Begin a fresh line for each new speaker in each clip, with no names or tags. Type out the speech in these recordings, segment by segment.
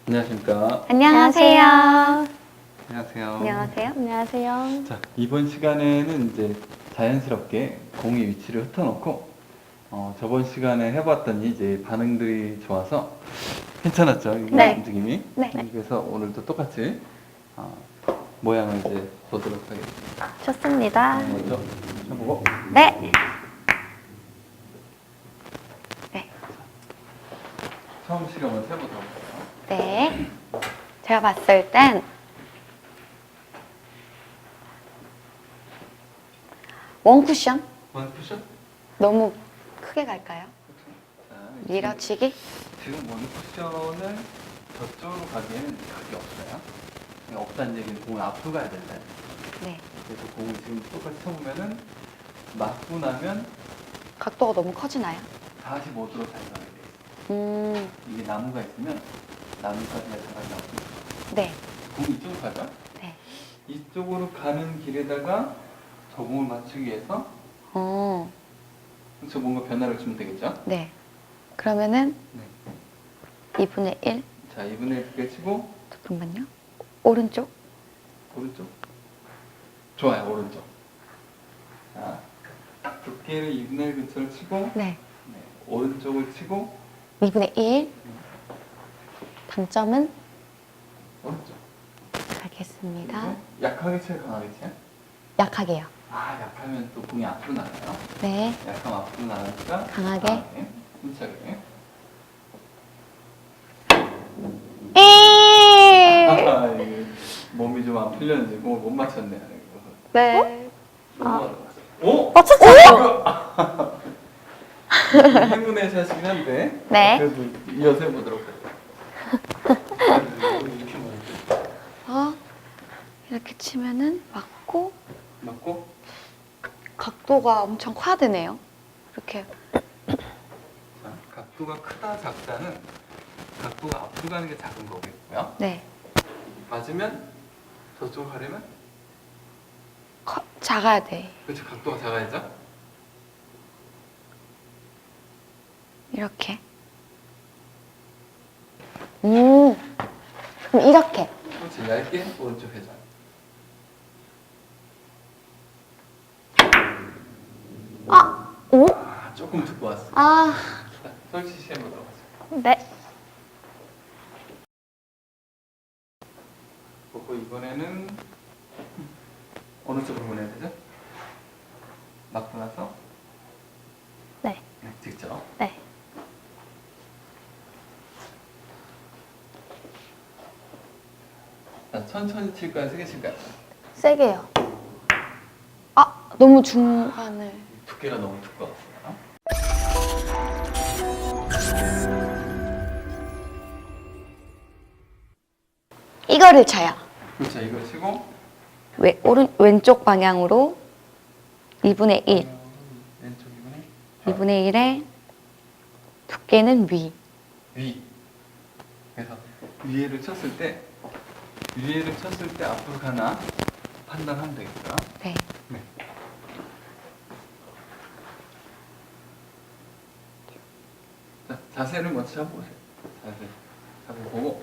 안녕하십니까.
안녕하세요.
안녕하세요.
안녕하세요. 안녕하세요.
자, 이번 시간에는 이제 자연스럽게 공의 위치를 흩어놓고 저번 시간에 해봤더니 이제 반응들이 좋아서 괜찮았죠? 이
네.
움직임이.
네.
그래서 오늘도 똑같이 모양을 이제 보도록 하겠습니다.
좋습니다.
먼저 해보고.
네. 네.
처음 시간을 해보도록 할게요.
네. 제가 봤을 땐 원쿠션?
원 쿠션?
너무 크게 갈까요?
자,
밀어치기?
지금 원 쿠션을 저쪽으로 가기에는 각이 없어요. 없다는 얘기는 공을 앞으로 가야 된다.
네.
그래서 공을 지금 똑같이 쳐보면은 맞고 나면
각도가 너무 커지나요?
45도로 달성하게 돼요. 이게 나무가 있으면 나무까지가 잘 나오고
네.
공이 이쪽으로 가죠?
네.
이쪽으로 가는 길에다가 저 공을 맞추기 위해서 저 뭔가 변화를 주면 되겠죠?
네. 그러면은
네.
2분의 1.
자, 2분의 1 두개 치고
잠깐만요. 오른쪽?
오른쪽? 좋아요, 오른쪽. 자, 두께를 2분의 1 근처를 치고
네.
오른쪽을 치고
2분의 1. 당점은
오른쪽.
알겠습니다.
그리고 약하게 쳐야 강하게 쳐요?
약하게요.
아, 약하면 또 공이 앞으로 나가요.
네.
약하면 앞으로 나가니까
강하게.
힘차게. 아, 이게 몸이 좀 안 풀렸는지 공을 못 맞췄네. 이거.
네.
너무 어려웠어. 오?
맞췄어요!
행운의 샷이긴 한데.
네.
그래도 이어서 해보도록 할게요. 이렇게 먼저.
이렇게 치면은 맞고
맞고.
각도가 엄청 커야 되네요. 이렇게.
자, 각도가 크다 작다는 각도가 앞으로 가는 게 작은 거겠고요.
네.
맞으면 저쪽 가려면
작아야 돼.
그렇죠. 각도가 작아야죠.
이렇게. 그럼 이렇게.
그렇지. 얇게 오른쪽 회전.
오?
아, 조금 듣고 왔어.
아,
자, 솔직히 해보도록 하죠.
네.
그리고 이번에는 어느 쪽으로 보내야 되죠? 맞고 나서
네.
직접.
네.
자, 천천히 칠까요? 세게 칠까요?
세게요. 너무 중간을.
두께가 너무 두꺼웠어요.
이거를 쳐요.
그렇죠. 이걸 치고
왼쪽 방향으로 2분의 1.
왼쪽 이번에
2분의 1에 두께는 위.
위. 그래서 위에를 쳤을 때 앞으로 가나 판단하면 되겠고요.
네.
네. 자, 자세를 먼저 잡아보세요. 자세 잡아보고.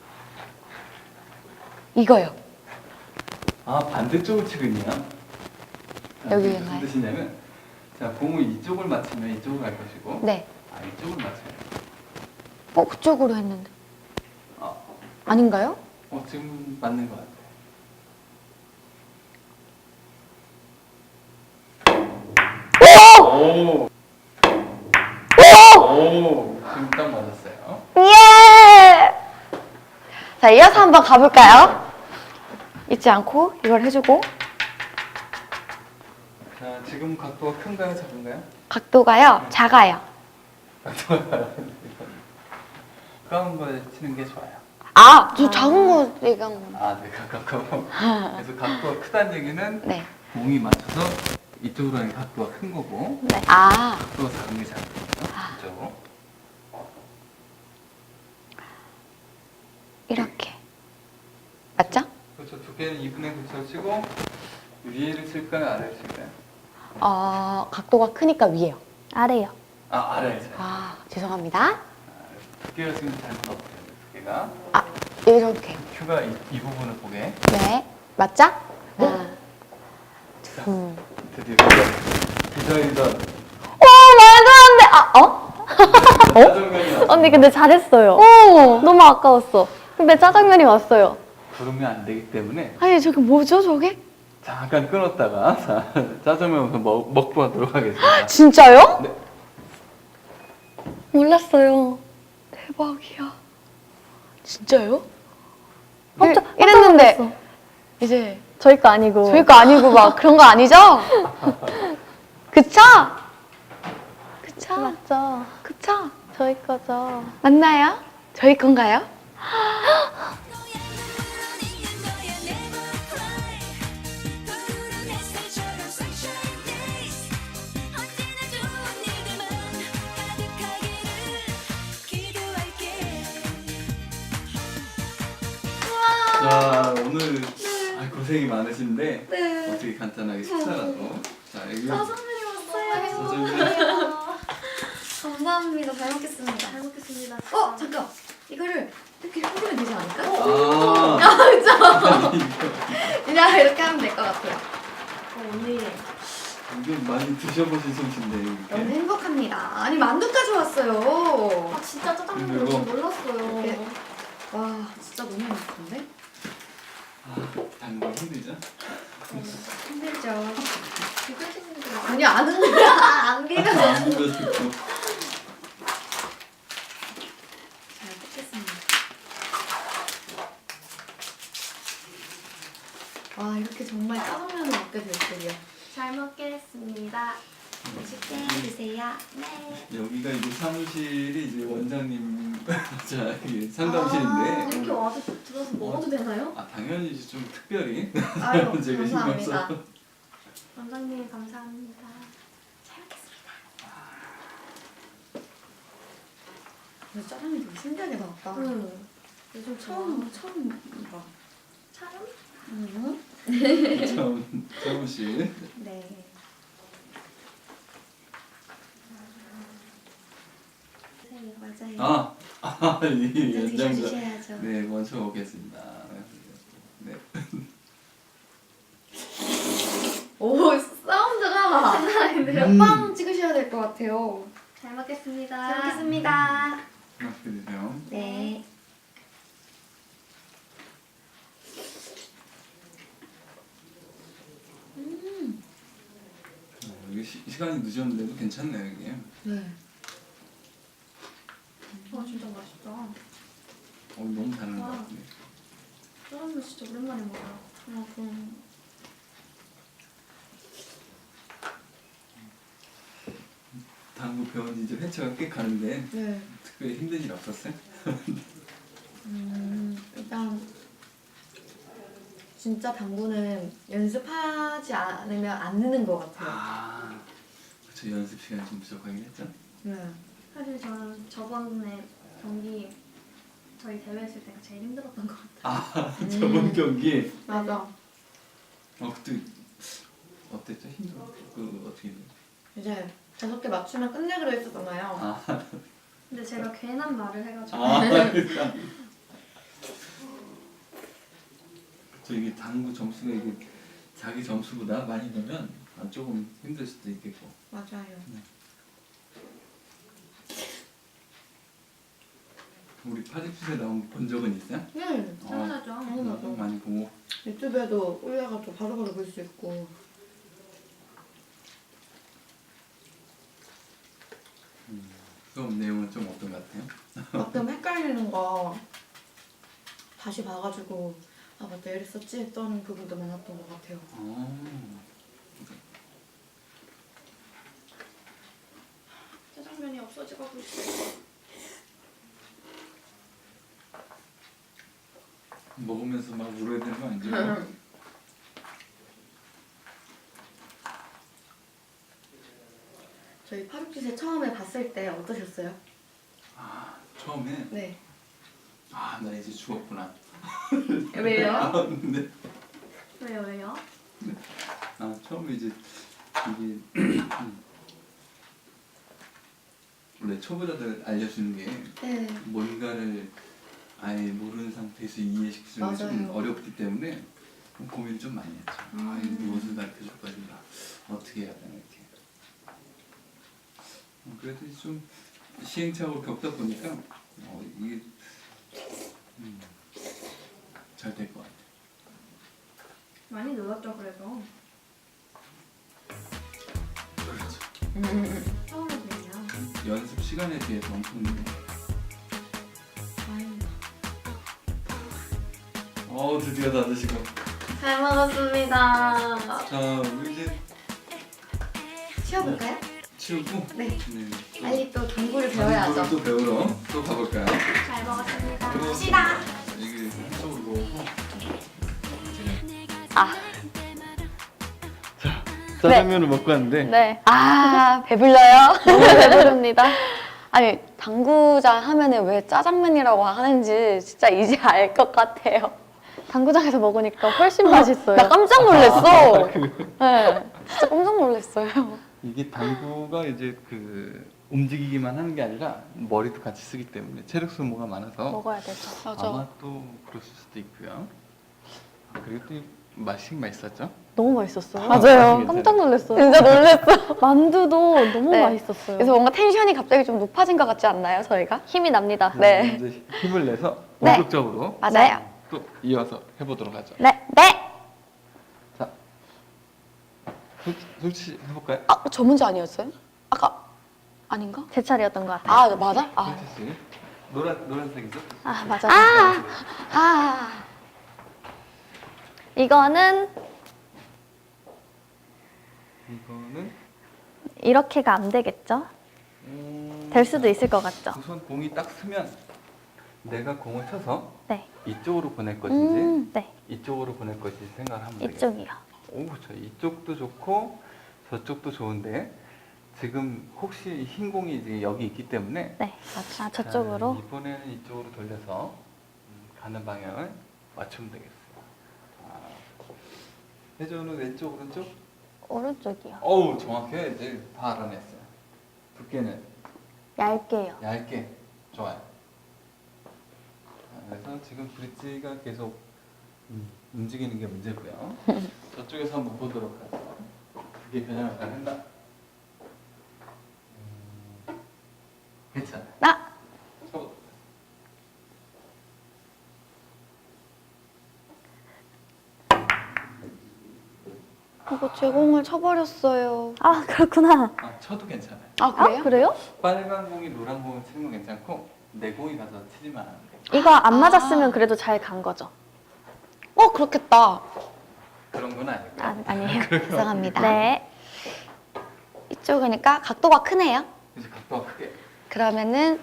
이거요.
아, 반대쪽을 치고 있네요. 자,
여기
무슨
있나요?
뜻이냐면, 자, 공을 이쪽을 맞추면 이쪽을 갈 것이고,
네.
이쪽을 맞춰요.
그쪽으로 했는데.
아,
아닌가요?
지금 맞는 것 같아요. 오! 지금 딱 맞았어요.
예! 자, 이어서 한번 가볼까요? 잊지 않고 이걸 해주고.
자, 지금 각도가 큰가요, 작은가요?
각도가요, 작아요.
각도가 가까운 걸 치는 게 좋아요.
저 작은 거 얘기한 거.
네, 가깝고. 그래서 각도가 크다는 얘기는
네.
공이 맞춰서 이쪽으로 하는 각도가 큰 거고,
네.
각도가 작은 게 작은 거죠. 이쪽으로.
이렇게. 맞죠?
그렇죠. 두께는 2분의 9를 치고, 위에를 칠까요, 아래를 칠까요?
각도가 크니까 위에요. 아래요.
아래를 쳐요.
죄송합니다.
두께가 지금 잘못 없어요. 두께가. 하겠습니다.
아, 이렇게.
큐가 이 부분을 보게.
네. 맞죠? 하나, 둘.
드디어 기다리던
말도 안 돼! 아,
짜장면이 왔습니다.
언니 근데 잘했어요.
오!
너무 아까웠어. 근데 짜장면이 왔어요.
부르면 안 되기 때문에
아니, 저게 뭐죠, 저게?
잠깐 끊었다가 자, 짜장면 먹고 하도록 하겠습니다.
진짜요?
네.
몰랐어요.
대박이야. 진짜요?
깜짝
이랬는데,
놀랐어.
이제,
저희 거 아니고.
저희 거 아니고 막 그런 거 아니죠? 그쵸? 그쵸?
맞죠.
그쵸?
저희 거죠.
맞나요? 저희 건가요?
자 오늘 고생이 많으신데 어떻게 간단하게 식사라도 자 여기
짜장면이 왔어요.
짜장면
감사합니다. 잘 먹겠습니다. 잘 먹겠습니다. 잠깐. 이거를 이렇게 뿌리면 되지 않을까?
아
그냥 이렇게 하면 될 것 같아요. 언니
이게 많이 드셔보신 솜씨인데
너무
이렇게
행복합니다. 아니 만두까지 왔어요.
아 진짜 짜장면
그리고-
너무 몰랐어요.
이렇게. 와 진짜 너무 행복한데?
당근 힘들죠?
힘들죠.
비벼지는 게
아니 안 흔들려. 안 비벼.
안 비벼지고
잘 먹겠습니다. 와 이렇게 정말 짜장면을 먹게 될 줄이야.
잘 먹겠습니다. 맛있게 드세요. 네.
여기가 이제 사무실이 이제 원장님 자 이게 상담실인데
이렇게 와서 들어서 먹어도 되나요?
당연히 이제 좀 특별히
아유
제가 신경
감사합니다.
써서.
원장님 감사합니다. 잘 먹겠습니다.
근데 짜장면 되게 신기하게 나왔다.
응. 요즘
처음 봐.
촬영?
사무실
네.
네 맞아요.
이
먼저
연장자
드셔주셔야죠.
네 먼저 오겠습니다. 네.
오 사운드가
감사합니다.
빵 찍으셔야 될 것 같아요.
잘 먹겠습니다.
잘 먹겠습니다.
맛있게 드세요.
네.
이게 시간이 늦었는데도 괜찮네요 이게.
네.
진짜 맛있다.
너무 잘하는 것 같은데.
짜장면 진짜 오랜만에 먹어요.
그럼
당구 배운 지 이제 회차가 꽤 가는데
네.
특별히 힘든 일 없었어요?
일단 진짜 당구는 연습하지 않으면 안 느는 것 같아요.
그렇죠. 연습 시간이 좀 부족하긴 했죠.
네.
사실 저는 저번에 경기 저희 대회 했을 때가 제일 힘들었던 것 같아요.
저번 경기
맞아.
그때 어땠죠? 힘들어? 어떻게
이제 5개 맞추면 끝내기로 했었잖아요.
근데 제가 괜한 말을 해가지고
그러니까. 저 이게 당구 점수가 이게 자기 점수보다 많이 넣으면 조금 힘들 수도 있겠고.
맞아요.
우리 파리풋에 나온 본 적은 있어요?
네.
당연하죠.
당연하죠.
많이 보고.
유튜브에도 올려가지고 바로바로 볼 수 있고.
수업 내용은 좀 어떤 것 같아요?
가끔 헷갈리는 거 다시 봐가지고 아 맞다 이랬었지 했던 부분도 많았던 것 같아요.
짜장면이 없어지고 있어요.
먹으면서 막 울어야 되는 거 아니죠?
저희 파루kit에 처음에 봤을 때 어떠셨어요?
처음에
네.
나 이제 죽었구나.
왜요?
네.
왜요?
처음에 이제 이게 원래 초보자들 알려주는 게
네.
뭔가를 아예 모르는 상태에서 이해시키는 게 좀
맞아요.
어렵기 때문에 고민을 좀 많이 했죠. 아, 이거 무엇을 가르쳐줄 거니까 어떻게 해야 되나 이렇게. 그래도 좀 시행착오를 겪다 보니까 이게 잘 될 것 같아요.
많이 늘었죠 그래도.
그렇죠.
처음이군요.
연습 시간에 비해서 엄청 늘어요.
다행이다.
드디어 다 드시고.
잘 먹었습니다.
자, 우리 이제
쉬어볼까요?
치우고
네.
네.
빨리 또 당구를
당구를
배워야죠.
또 배우러 또 가볼까요?
잘 먹었습니다.
그리고
갑시다.
이게 이쪽으로 놓고
아,
짜장면을 먹고 왔는데
네.
아 배불러요?
너무 배부릅니다.
아니 당구장 하면은 왜 짜장면이라고 하는지 진짜 이제 알 것 같아요.
당구장에서 먹으니까 훨씬 맛있어요.
나 깜짝 놀랐어. 네, 진짜 깜짝 놀랐어요.
이게 당구가 이제 그 움직이기만 하는 게 아니라 머리도 같이 쓰기 때문에 체력 소모가 많아서
먹어야 되죠.
아마 또 그랬을 수도 있고요. 그리고 또 맛있었죠?
너무 맛있었어요.
맞아요.
깜짝 놀랐어요.
진짜 놀랐어.
만두도 너무
네.
맛있었어요.
그래서 뭔가 텐션이 갑자기 좀 높아진 것 같지 않나요, 저희가?
힘이 납니다.
네.
이제 힘을 내서
네.
본격적으로
맞아요.
또 이어서 해보도록 하죠.
네, 네.
자, 솔직히 해볼까요?
아, 저 문제 아니었어요? 아까 아닌가?
제 차례였던 것 같아요.
아, 맞아? 아,
솔직히 노란색이죠?
아, 맞아.
아,
이거는
이거는
이렇게가 안 되겠죠? 될 수도 있을 것 같죠?
우선 공이 딱 쓰면 내가 공을 쳐서
네.
이쪽으로 보낼 것인지
네.
이쪽으로 보낼 것인지 생각을 하면 되겠어요.
이쪽이요.
오, 저 이쪽도 좋고 저쪽도 좋은데 지금 혹시 흰 공이 이제 여기 있기 때문에
네. 아, 저쪽으로?
자, 이번에는 이쪽으로 돌려서 가는 방향을 맞추면 되겠어요. 혜조는 왼쪽 오른쪽?
오른쪽이요.
어우 정확해. 이제 다 알아냈어요. 두께는
얇게요.
얇게. 좋아요. 그래서 지금 브릿지가 계속 움직이는 게 문제고요. 저쪽에서 한번 보도록 하죠. 그게 변형을 잘 한다. 괜찮아.
나.
쳐보도록
이거 제공을 쳐버렸어요.
아, 그렇구나.
쳐도 괜찮아요.
아, 그래요?
아, 그래요?
빨간 공이 노란 공을 치는 건 괜찮고 내 공이 가서 치지만 않으면 돼.
이거 안 맞았으면 그래도 잘 간 거죠?
그렇겠다.
그런 건 아니고.
아, 아니에요.
죄송합니다.
네.
이쪽이니까 각도가 크네요.
이제 각도가 크게.
그러면은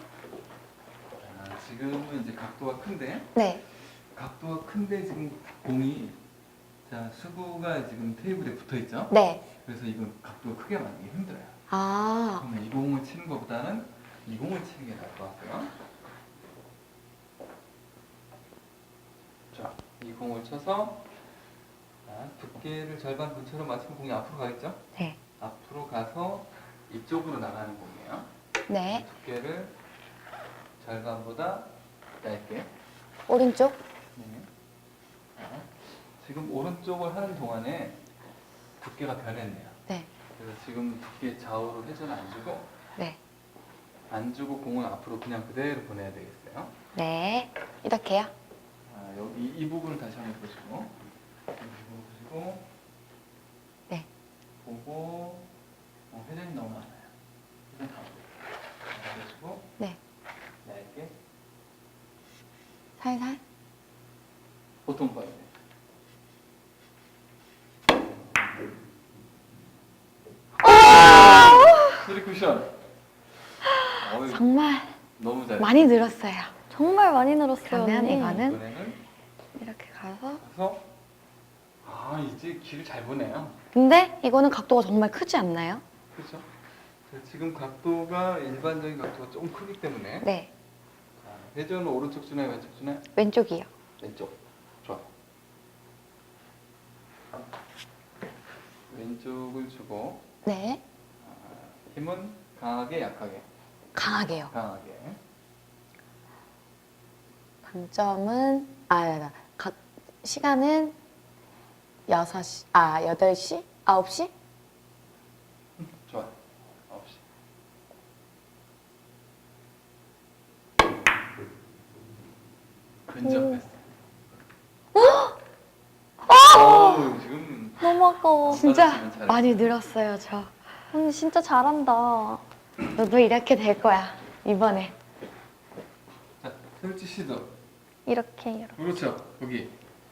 지금은 이제 각도가 큰데
네.
각도가 큰데 지금 공이 자 수구가 지금 테이블에 붙어 있죠.
네.
그래서 이건 각도가 크게 맞는 게 힘들어요.
아.
그러면 이 공을 치는 것보다는 이 공을 치는 게 나을 것 같고요. 자, 이 공을 쳐서 자, 두께를 절반 근처로 맞추면 공이 앞으로 가겠죠?
네.
앞으로 가서 이쪽으로 나가는 공이에요.
네.
두께를 절반보다 얇게.
오른쪽.
네. 자, 지금 오른쪽을 하는 동안에 두께가 변했네요.
네.
그래서 지금 두께 좌우로 회전을 안 주고
네.
안 주고 공을 앞으로 그냥 그대로 보내야 되겠어요.
네. 이렇게요.
여기 이 부분을 다시 한번 보시고 이 부분 보시고
네.
보고 회전이 너무 많아요. 회전 다 보시고
네.
얇게
살살.
보통 봐야 돼. 쓰리 쿠션.
정말
너무 잘해.
많이 늘었어요.
정말 많이 늘었어요.
그러면
언니.
이거는
이번에는
이렇게 가서.
이제 길을 잘 보네요.
근데 이거는 각도가 정말 크지 않나요?
그렇죠? 지금 각도가 일반적인 각도가 조금 크기 때문에
네.
자, 회전은 오른쪽 주나요, 왼쪽 주나요?
왼쪽이요.
왼쪽. 좋아. 왼쪽을 주고
네.
힘은 강하게, 약하게.
강하게요.
강하게.
장점은 시간은 6시, 8시? 9시?
좋아. 9시. 근접했어. 어우, 지금
너무 아까워.
진짜
받았으면 잘했어.
많이 늘었어요, 저.
언니 진짜 잘한다.
너도 이렇게 될 거야, 이번에.
자, 설지 씨도.
이렇게.
그렇죠. 거기.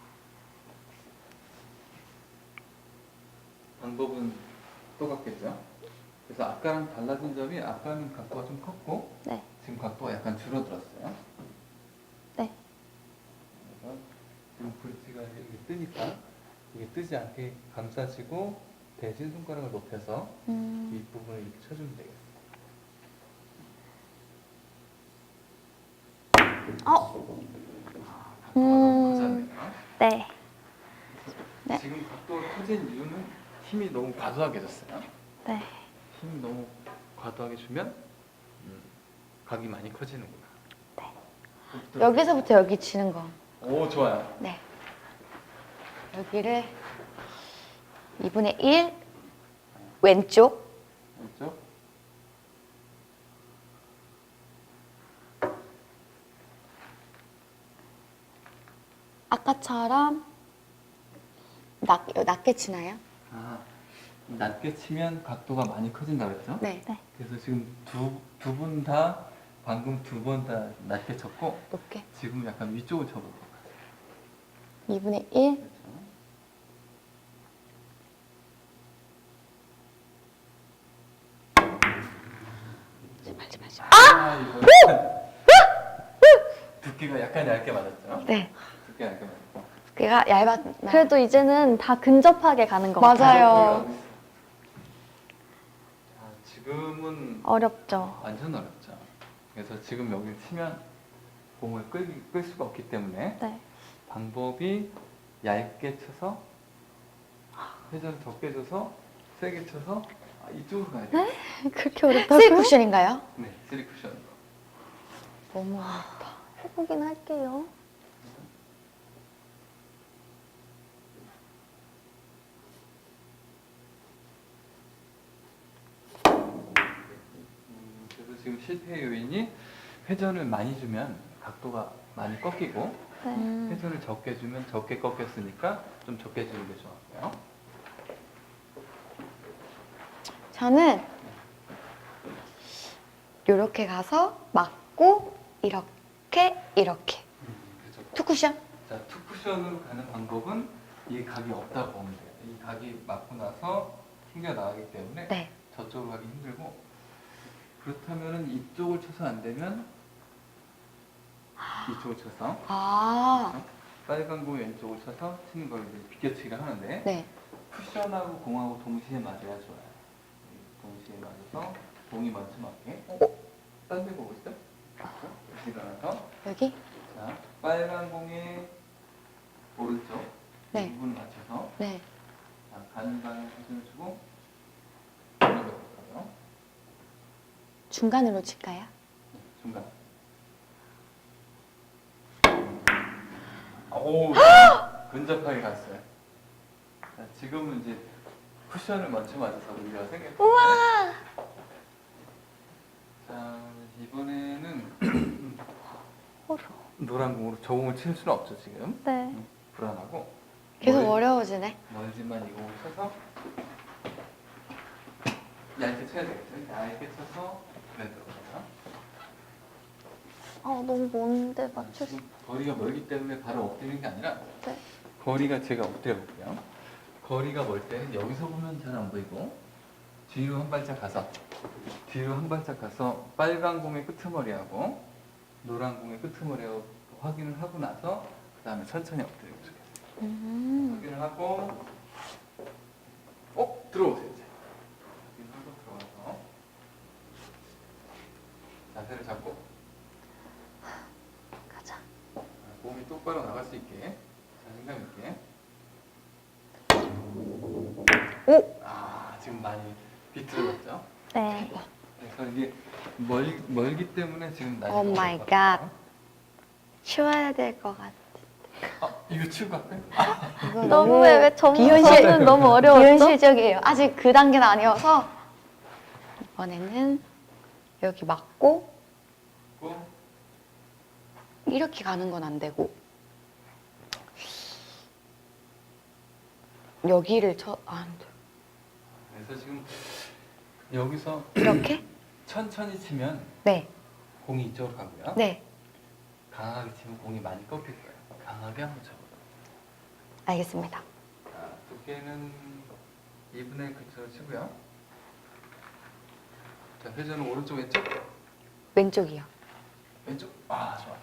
방법은 똑같겠죠. 그래서 아까랑 달라진 점이 아까는 각도가 좀 컸고
네.
지금 각도가 약간 줄어들었어요.
네.
그래서 지금 브릿지가 여기 뜨니까 이게 뜨지 않게 감싸지고 대신 손가락을 높여서 윗부분을 이렇게 쳐주면 되겠어요. 각도가 너무 커졌네요.
네.
네.
지금 각도가 커진 이유는 힘이 너무 과도하게 줬어요.
네.
힘 너무 과도하게 주면 각이 많이 커지는구나.
여기서부터 여기 치는 거.
오, 좋아요.
네. 여기를 2분의 1 왼쪽.
왼쪽.
아까처럼 낮게 치나요?
낮게 치면 각도가 많이 커진다 그랬죠?
네.
그래서 지금 두 분 다 방금 두 번 다 낮게 쳤고
높게.
지금 약간 위쪽을 쳐볼 것 같아요.
2분의 1.
그렇죠? 이거 두께가 약간 얇게 맞았죠?
네.
두께 얇게 맞았고.
두께가 얇았나?
그래도 이제는 다 근접하게 가는 것 같아요.
맞아요.
지금은
어렵죠.
완전 어렵죠. 그래서 지금 여기 치면 공을 끌 수가 없기 때문에
네.
방법이 얇게 쳐서 회전 적게 줘서 세게 쳐서 이쪽으로 가야 돼요.
그렇게 어렵다고요?
쓰리 쿠션인가요?
네, 3쿠션.
너무 어렵다.
해보긴 할게요.
그래서 지금 실패 요인이 회전을 많이 주면 각도가 많이 꺾이고
네.
회전을 적게 주면 적게 꺾였으니까 좀 적게 주는 게 좋았고요.
저는 이렇게 가서 맞고 이렇게
그렇죠.
투 쿠션.
자, 투쿠션으로 가는 방법은 이 각이 없다고 보면 돼요. 이 각이 맞고 나서 튕겨 나가기 때문에
네.
저쪽으로 가기 힘들고 그렇다면은 이쪽을 쳐서 안 되면 이쪽을 쳐서 빨간 공 왼쪽을 쳐서 치는 걸 이제 비껴치기를 하는데
네.
쿠션하고 공하고 동시에 맞아야 좋아요. 동시에 맞아서 공이 먼저 맞게. 딴 데 보고 있어? 일어나서
여기?
자, 빨간 공의 오른쪽
네.
이 부분을 맞춰서
네.
자, 가는 방향 회전을 주고 올려볼까요?
중간으로 칠까요?
중간. 오, 근접하게 갔어요. 자, 지금은 이제 쿠션을 먼저 맞아서 우리가 생겼어요. 우와! 자, 이번에는 노란 공으로 저 공을 칠 수는 없죠, 지금.
네.
불안하고.
계속 어려워지네.
멀지만 이 공을 쳐서 얇게 쳐야 되겠죠? 얇게 쳐서 그래 들어가요.
너무 먼데 맞출 수.
지금 거리가 멀기 때문에 바로 엎드리는 게 아니라
네.
거리가 제가 엎드려 볼게요. 거리가 멀 때는 여기서 보면 잘 안 보이고 뒤로 한 발짝 가서 빨간 공의 끄트머리하고 노란 공의 끄트머리하고 확인을 하고 나서 그 다음에 천천히 엎드리고 좋겠어요. 확인을 하고 들어오세요 이제. 확인하고 들어가서 자세를 잡고
가자.
몸이 똑바로 나갈 수 있게 자신감 있게. 지금 많이 비틀어졌죠?
네.
그래서 이게 멀기 때문에 지금
Oh my
나중에
치워야 될 것 같아.
이거 치우고 갈까요?
이거
너무해. 왜
비현실-
저는 너무 어려웠죠?
비현실적이에요. 아직 그 단계는 아니어서 이번에는 여기 맞고 이렇게 가는 건 안 되고 여기를 안 돼.
그래서 지금 여기서
이렇게?
천천히 치면
네,
공이 이쪽으로 가고요.
네,
강하게 치면 공이 많이 꺾일 거예요. 강하게 한번 쳐보세요.
알겠습니다.
자, 두께는 2분의 1 근처로 치고요. 자, 회전은 오른쪽 왼쪽?
왼쪽이요.
왼쪽? 아, 좋아.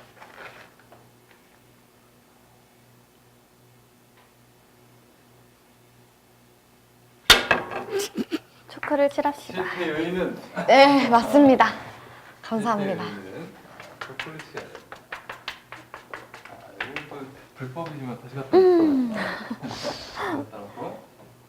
초크를 칠합시다.
실패 요인은
네, 맞습니다. 감사합니다.
초콜릿 해야 돼. 아, 이거 불법이지만 다시 갖다 놓고. 갖다 놓고.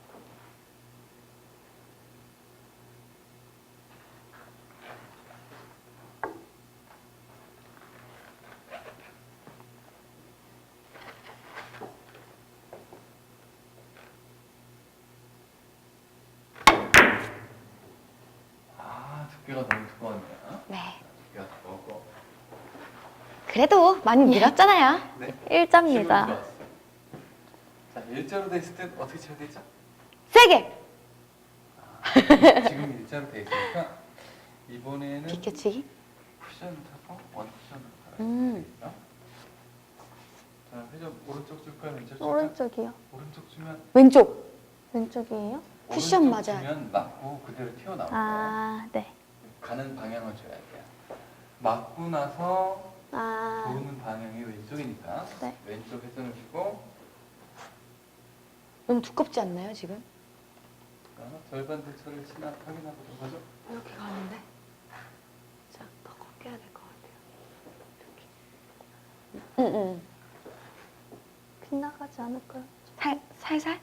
아, 두께가 너무 두꺼웠네요.
네.
두께가 두꺼웠고.
그래도 많이 밀었잖아요.
네.
일자입니다.
좋았어요. 자, 일자로 돼 있을 때 어떻게 쳐야 되죠?
세게!
지금 일자로 돼 있으니까 이번에는
비켜치기?
쿠션 타고 원 쿠션으로
음.
가야 되겠죠? 자, 회전 오른쪽 줄까요? 왼쪽 줄까요?
오른쪽이요.
오른쪽 주면
왼쪽!
왼쪽이에요?
쿠션
오른쪽
맞아요.
주면 맞고 그대로 튀어나오고
아, 네.
가는 방향을 줘야 돼요. 맞고 나서
아,
도는 방향이 왼쪽이니까
네.
왼쪽 회전을 주고
너무 두껍지 않나요, 지금?
절반 대처를 지나 확인하도록 하죠.
이렇게 가는데? 자, 더 꺾여야 될 것 같아요. 응.
빗나가지 않을까요?
살살?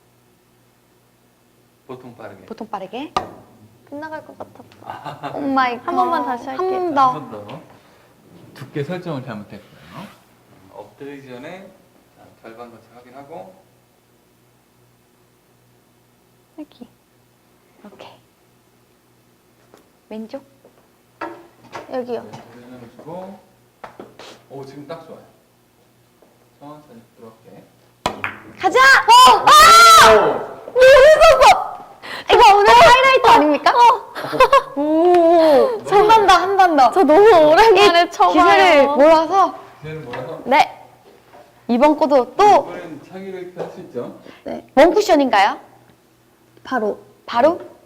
보통 빠르게.
보통 빠르게.
빗나갈 것 같아.
오 마이 갓.
한 번만 다시 할게요.
한 번
한
더.
번 더. 두께 설정을 잘못했고요. 엎드리기 전에 자, 절반 거쳐 확인하고
여기.
오케이. 왼쪽?
여기요.
회전을 주고 오 지금 딱 좋아요. 천천히 부드럽게.
가자! 이거 오늘 하이라이트 아닙니까? 오! 한 번 더, 한 번 더.
저 너무 오랜만에 쳐봐요.
기세를 몰아서.
기세를 몰아서
네. 이번 거도 또
이번엔 창의력 있게 할 수 있죠.
원쿠션인가요?
바로.
바로?